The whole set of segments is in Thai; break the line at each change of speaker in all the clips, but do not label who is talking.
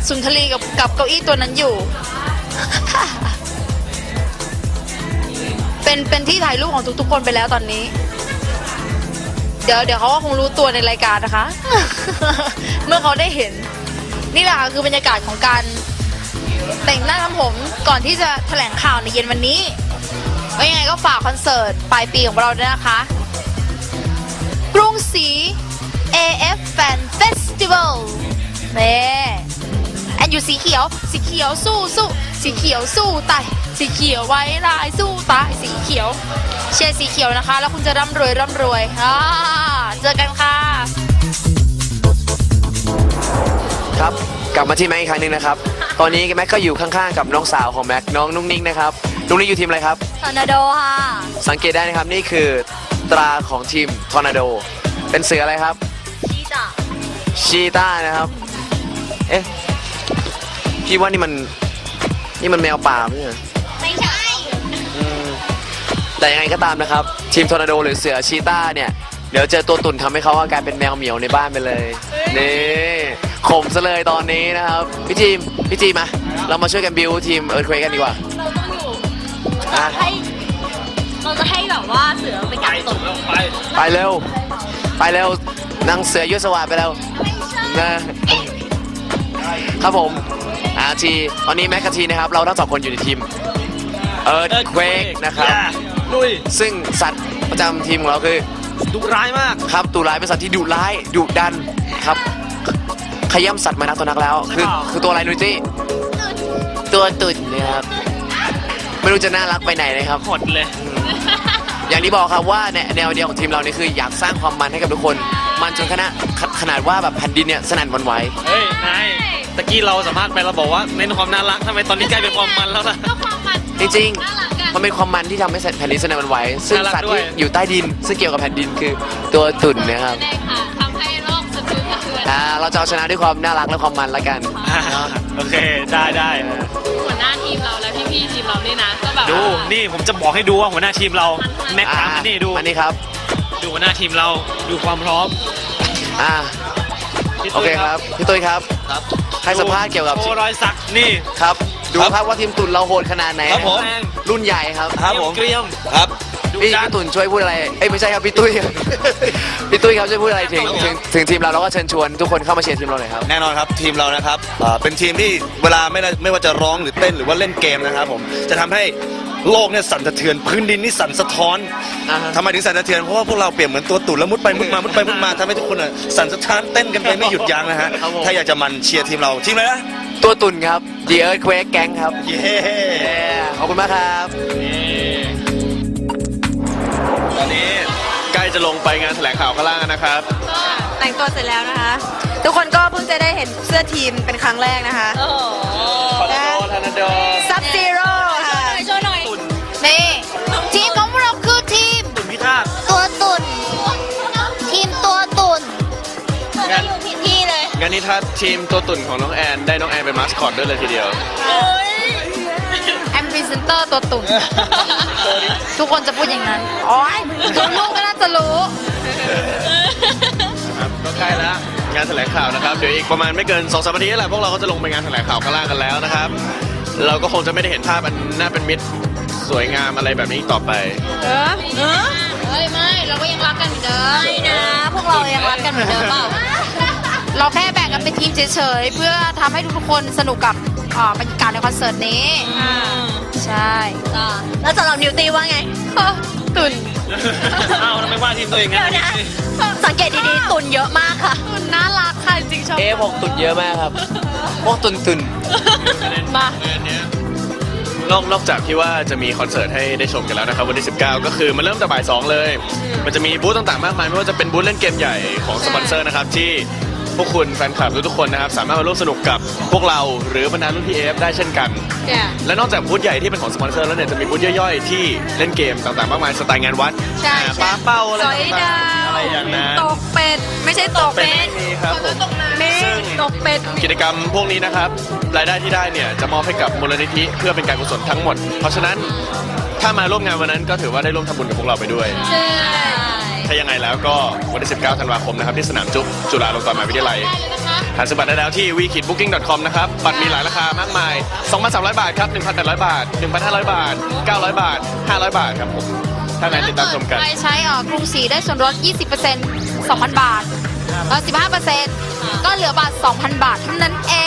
สุนทรีกับเก้าอี้ตัวนั้นอยู่ เป็นที่ถ่ายรูปของทุกๆคนไปแล้วตอนนี้ เดี๋ยวเขาก็คงรู้ตัวในรายการนะคะ เมื่อเขาได้เห็น นี่แหละค่ะคือบรรยากาศของการแต่งหน้าทำผมก่อนที่จะแถลงข่าวในเย็นวันนี้ก็ยังไงก็ฝากคอนเสิร์ตปลายปีของเราด้วยนะคะกรุงศรี AF Fan Festival นี่แอนอยู่สีเขียวสู้สีเขียวสู้ตายสีเขียวไว้ลายสู้ตายสีเขียวเชียร์สีเขียวนะคะแล้วคุณจะร่ำรวยเจอกันค่ะ
ครับกลับมาที่แม็กอีกครั้งหนึ่งนะครับ ตอนนี้แม็กก็อยู่ข้างๆกับน้องสาวของแม็กน้องนุ่งนิ่งนะครับนุ่งนิ่งอยู่ทีมอะไรครับ
ทอร์นาโดค่ะ
สังเกตได้นะครับนี่คือตราของทีมทอร์นาโดเป็นเสืออะไรครับชีต้านะครับเอ๊ะพี่ว่านี่มันแมวป่าไม่ใช่
ไม่ใช่
แต่ยังไงก็ตามนะครับทีมทอร์นาโดหรือเสือชีต้าเนี่ยเดี๋ยวเจอตัวตุ่นทำให้เขากลายเป็นแมวเหมียวในบ้านไปเลยนี่ข่มซะเลยตอนนี้นะครับพี่จีมาเรามาช่วยกันบิวทีมเอิร์ธเควกกันดีกว่า
เราต้องอยู่
อ่ะ
เราจะให้แบบว่าเสือไปกัดตก
ไปเร็วนางเสือยุทธสวัสดิ์ไปแล้วนะครับผมตอนนี้แม็กกาทีนะครับเราทั้งสองคนอยู่ในทีมเอิร์ธเควกนะครับ
ลุย
ซึ่งสัตว์ประจำทีมของเราคือ
ดุร้ายมาก
ครับตุลายเป็นสัตว์ที่ดุร้ายดุดันครับขย้ำสัตว์มานักตัวนักแล้วคือตัวอะไรนุ้ยจี้ตัวตุ่นนะครับไม่รู้จะน่ารักไปไหนนะครับ
หดเลย
อย่างที่บอกครับว่าแนวเดียวของทีมเราเนี่ยคืออยากสร้างความมันให้กับทุกคนมันจนขนาดว่าแบบแผ่นดินเนี่ยสนั่นหวั่นไหว
เฮ้ย นาย ตะกี้เราสัมภาษณ์ไปเราบอกว่าเน้นความน่ารักทำไมตอนนี้กลายเป็นความมันแล้วล่ะ
ก็ความมัน
จริงๆมันเป็นความมันที่ทำให้แผ่นดินสนั่นหวั่นไหวซึ่ง
น่ารัก
สัตว์
ด้ว
ที่
ย
อยู่ใต้ดินซึ่งเกี่ยวกับแผ่นดินคือตัวตุ่นนะครับ
ได้ค่ะทำให้โลกสะเทือน
เราจะเอาชนะด้วยความน่ารักและความมันละกัน
โอเค ได้
หัวหน้าทีมเราและพี่ๆทีมเรานี่นะก็แบบ
ดู นี่ผมจะบอกให้ดูว่าหัวหน้าทีมเราแม็กซ์ถามมานี่ดู
อันนี้ครับ
ดูหัวหน้าทีมเรา ดูความพร้อม
อ่า
พี่
โอ
ตุ้
เค
ย
ครับพี่ตุ้ยครับให้สัมภาษณ์เกี่ยวกับ
โชว์รอยสักนี่
ครับดูครับว่าทีมตุ่นเราโหดขนาดไหน
ครับผม
รุ่นใหญ่ครับ
เกรียม
ครับ
ดู
พี่
ดัน
ตุ่นช่วยพูดอะไรเอ้ยไม่ใช่ครับพี่ตุ้ย พี่ตุ้ยครับช่วยพูดอะไรถึงทีมเราแล้วก็เชิญชวนทุกคนเข้ามาเชียร์ทีมเราหน่อยครับ
แน่นอนครับทีมเรานะครับเป็นทีมที่เวลาไม่ว่าจะร้องหรือเต้นหรือว่าเล่นเกมนะครับผมจะทำให้โลกเนี่ยสั่นสะเทือนพื้นดินนี่สั่นสะท้อน
อ่าฮะ
ทำไมถึงสั่นสะเทือนเพราะว่าพวกเราเปรียบเหมือนตัวตุ่นแล้วมุดไปมุดมาทำให้ทุกคนสั่นสะท้านเต้นกันไปไม่หยุดยั้งนะฮะถ้าอยากจะมันเชียร์ทีมเราทีมอะไรนะ
ตัวตุ่นครับ The Earthquake Gang ครับ
เย้
ขอบคุณมากครับ
ตอนนี้ใกล้จะลงไปงานแถลงข่าวข้างล่างนะครับ
แต่งตัวเสร็จแล้วนะคะ ทุกคนก็เพิ่งจะได้เห็นเสื้อทีมเป็นครั้งแรกนะคะ
โอ้โห
ทอร์นาโด
ซับซีโร่ค่ะ
โชว์หน่อย
นี่ทีมของเราคือทีม
ตุ่นพิฆาต
ตัวตุ่นทีมตัวตุ่น
งั้น
อยู่ผิดที่เลย
งั้นนี่ถ้าทีมตัวตุ่นของน้องแอนได้น้องแอนเป็นมาสคอตด้วยเลยทีเดียว
แอมพรีเซนเตอร์ตัวตุ่น ทุกคนจะพูดอย่างนั้นโอ้ยตัวลูกก็น่าจะรู้
ครับก็ใกล้แล้วงานแถลงข่าวนะครับเดี๋ยวอีกประมาณไม่เกิน2-3 นาทีนี่แหละพวกเราก็จะลงไปงานแถลงข่าวข้างล่างกันแล้วนะครับ เราก็คงจะไม่ได้เห็นภาพอันน่าเป็นมิตรสวยงามอะไรแบบนี้อีกต่อไป
เฮ้ยไม่ เราก็ยังรักกันเหมือนเดิมไม่นะ พวกเรายังรักกันเหมือนเดิมเปล่า เราแค่แบ่งกันเป็นทีมเฉยๆ เพื่อทำให้ทุกๆคนสนุกกับบรรยากาศในคอนเสิร์ตนี้ ใช่
แล้วสำหรับนิวตีว่าไง
ตุ่น
อ้าวทำไมว่าทีมตัวเองงั้น
สังเกตดีๆตุนเยอะมากค่ะ
ตุ่นน่ารักค่ะจริงๆชอบ
พวกตุ่นเยอะมากครับ พวกตุ่น
มา
นอกจากที่ว่าจะมีคอนเสิร์ตให้ได้ชมกันแล้วนะครับวันที่19ก็คือมันเริ่มแต่บ่าย 2เลย มันจะมีบูธต่างๆมากมายไม่ว่าจะเป็นบูธเล่นเกมใหญ่ของสปอนเซอร์นะครับที่พวกคุณแฟนคลับทุกๆคนนะครับสามารถมาร่วมสนุกกับพวกเราหรือบรรดารุ่นพี่เอฟได้เช่นกัน และนอกจากบูธใหญ่ที่เป็นของสปอนเซอร์แล้วเนี่ยจะมีบูธย่อยๆที่เล่นเกมต่างๆมากมายสไตล์งานวัด
ใช่
ปลาเป้าอะไร
สอยดา
ต่างๆอะไรอย่างนั้น
ตกเป็ด ไม่ใช่ตกเป็ด
มีครับผม ซึ่ง
ตกเป็ด
กิจกรรมพวกนี้นะครับรายได้ที่ได้เนี่ยจะมอบให้กับมูลนิธิเพื่อเป็นการกุศลทั้งหมด เพราะฉะนั้นถ้ามาร่วมงานวันนั้นก็ถือว่าได้ร่วมทำบุญกับพวกเราไปด้วย
ใช่
ถ้ายังไงแล้วก็วันที่19 ธันวาคมนะครับที่สนามจุฬาลงกรณ์มหาวิทยาลัย
ได้เลยนะคะ
หาซื้อบัตรได้แล้วที่ wekidbooking.com นะครับ บัตรมีหลายราคามากมาย 2,300 บาทครับ 1,800 บาท 1,500 บาท 900 บาท 500 บาทครับผมถ้าไหนติดตามชมกัน
ใครใช้กรุงศรีได้ส่วนลด 20% 2,000 บาทแล้ว15%ก็เหลือบาท 2,000 บาทเท่านั้นเอง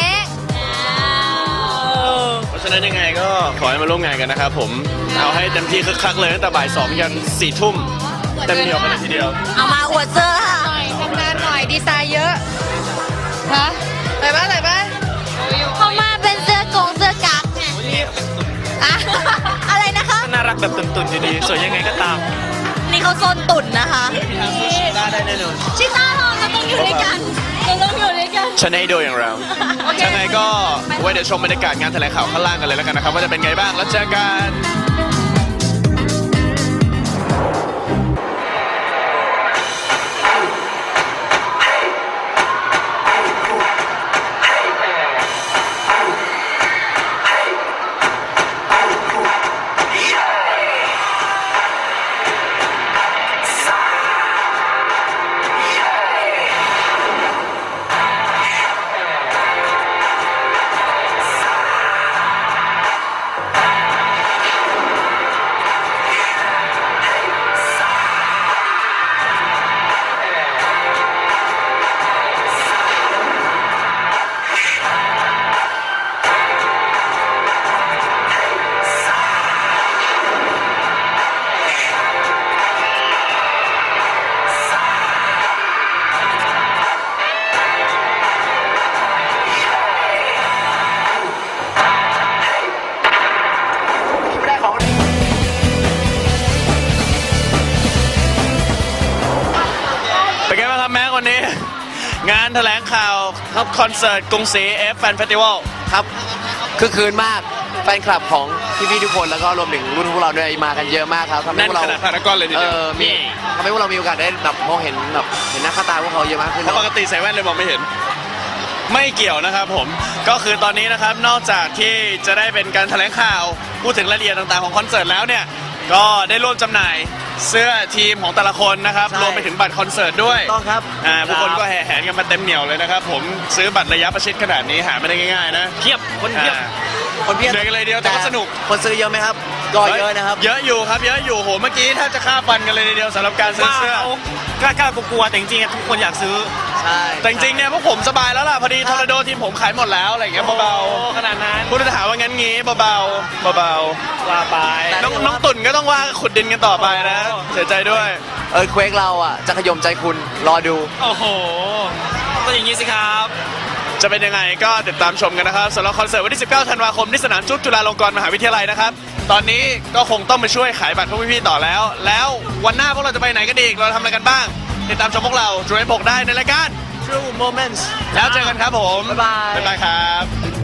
เพราะฉะนั้นยังไงก็ขอให้มาร่วมงานกันนะครับผม เอาให้เต็มที่คึกคักเลยตั้งแต่บ่าย 2 ยัน 4 ทุ่มเต็มเหนียวกันเลยทีเดียว
เอามาอวดเสื้อค่ะ
หน่อยทำงานหน่อยดีไซน์เยอะฮะอะไรบ้างอะไรบ้าง
เขามาเป็นเสื้อกงเสื้อกั๊กไงอะอะไรนะคะ
น่ารักแบบตุ่นๆอยู่ดีสวยยังไงก็ตาม
นี่เขาโซนตุ่นนะคะ
ได้แน่นอน
ชิต้าเราต้องอยู่ด้วยกันเราต้องอยู่ด้วยกัน
ชนะไอโดอย่างเรายังไงก็ไว้เดี๋ยวชมบรรยากาศงานแถลงข่าวข้างล่างกันเลยแล้วกันนะครับว่าจะเป็นไงบ้างแล้วเจอกัน เป็นไงบ้างครับแม็กวันนี้ งานแถลงข่าวครับคอนเสิร์ตกรุงศรี F Fan Festival
ครับคือคืนมากแฟนคลับของพี่ๆทุกคนแล้วก็รวมถึงรุ่นพวกเราด้วยมากันเยอะมากครับทำให้
แน่น
พวกเรา
ขนาดพารากอนเลยทีเดียว
มีทำให้พวกเรามีโอกาสได้แบบมองเห็นแบบเห็นหน้าค่าตาพวกเขาเยอะมากขึ้น
เพราะปกติใส่แว่นเลยมองไม่เห็น ไม่เกี่ยวนะครับผมก็คือตอนนี้นะครับนอกจากที่จะได้เป็นการแถลงข่าวพูดถึงรายละเอียดต่างๆของคอนเสิร์ตแล้วเนี่ยก็ได้ร่วมจำหน่ายเสื้อทีมของแต่ละคนนะครับรวมไปถึงบัตรคอนเสิร์ตด้วย
ต้องครับ
ผู้คนก็แห่แหนกันมาเต็มเหนียวเลยนะครับผมซื้อบัตรระยะประชิดขนาดนี้หาไม่ได้ง่ายๆนะ
เพียบคนเพียบ
คนเพียบ
เหนื่อยกันเลยเดียวแต่ก็สนุก
คนซื้อเยอะไหมครับก็เยอะนะครับ
เยอะอยู่ครับเยอะอยู่โหเมื่อกี้แทบจะฆ่าฟันกันเลยทีเดียวสำหรับการซื้อ
ว่า
เสื้อ
เขากล้ากลัวๆแต่จริงๆทุกคนอยากซื้อ
ใช่
แต่จริงๆเนี่ยพวกผมสบายแล้วล่ะพอดีทอร์นาโดทีมผมขายหมดแล้วอะไรอย่างเงี้ยเบา
โอ้ขนาดนั้น
ๆผู้จะถามว่างั้นงี้เบาๆเบา
ว่าไป
ๆน้องตุ่นก็ต้องว่าขุดดินกันต่อไปนะเสียใจด้วย
เควกเราอ่ะจะขยมใจคุณรอดู
โอ้โหก็อย่างนี้สิครับ
จะเป็นยังไงก็ติดตามชมกันนะครับสำหรับคอนเสิร์ตวันที่ 19 ธันวาคมที่สนามจุฬาลงกรณ์มหาวิทยาลัยนะครับตอนนี้ก็คงต้องไปช่วยขายบัตรพวกพี่ๆต่อแล้ว แล้ววันหน้าพวกเราจะไปไหนกันอีกเราทำอะไรกันบ้างติดตามชมพวกเราจุฬา16ได้ในรายการ
True Moments
แล้วเจอกันครับผม
บ๊ายบาย
บ๊ายบายครับ